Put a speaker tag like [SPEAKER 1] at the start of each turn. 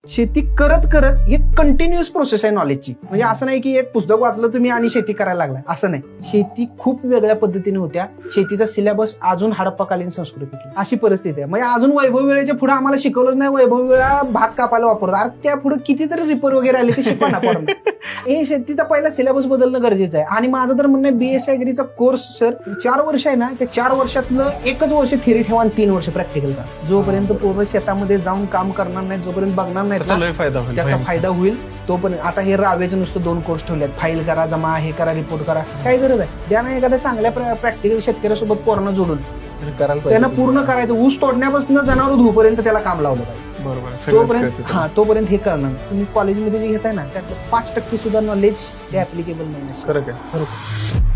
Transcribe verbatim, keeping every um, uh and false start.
[SPEAKER 1] शेती करत करत एक कंटिन्युअस प्रोसेस आहे नॉलेजची. म्हणजे असं नाही की एक पुस्तक वाचलं तुम्ही आणि शेती करायला लागलाय, असं नाही. शेती खूप वेगळ्या पद्धतीने होत्या. शेतीचा सिलेबस अजून हडप्पाकालीन संस्कृतीतली अशी परिस्थिती आहे. म्हणजे अजून वैभव वेळेच्या पुढे आम्हाला शिकवलंच नाही. वैभव वेळा भात कापायला वापरतो, अरे त्या पुढे कितीतरी रिपर वगैरे आले ते शिकवा ना पण. हे शेतीचा पहिला सिलेबस बदलणं गरजेचं आहे. आणि माझं तर म्हणणं बीएस ऍग्रीचा कोर्स सर चार वर्ष आहे ना, त्या चार वर्षातलं एकच वर्ष थिअरी ठेवा आणि तीन वर्ष प्रॅक्टिकल करा. जोपर्यंत पूर्ण शेतामध्ये जाऊन काम करणार नाही, जोपर्यंत बघणार नाही त्याचा फायदा होईल तोपर्यंत. आता हे रावेचं नुसतं दोन कोर्स ठेवलेत, फाईल करा, जमा हे करा, रिपोर्ट करा, काय गरज आहे? द्या ना एखाद्या चांगल्या प्रॅक्टिकल शेतकऱ्यासोबत पोरांना जोडून त्यांना पूर्ण करायचं. ऊस तोडण्यापासून जनावर धुपर्यंत त्याला काम लावलं पाहिजे.
[SPEAKER 2] बरोबर.
[SPEAKER 1] तोपर्यंत हा तोपर्यंत हे करणार. तुम्ही कॉलेजमध्ये जे घेताय ना त्यातलं पाच टक्के सुद्धा नॉलेज हे ऍप्लिकेबल नाही.
[SPEAKER 2] खरं काय?
[SPEAKER 1] खरोखर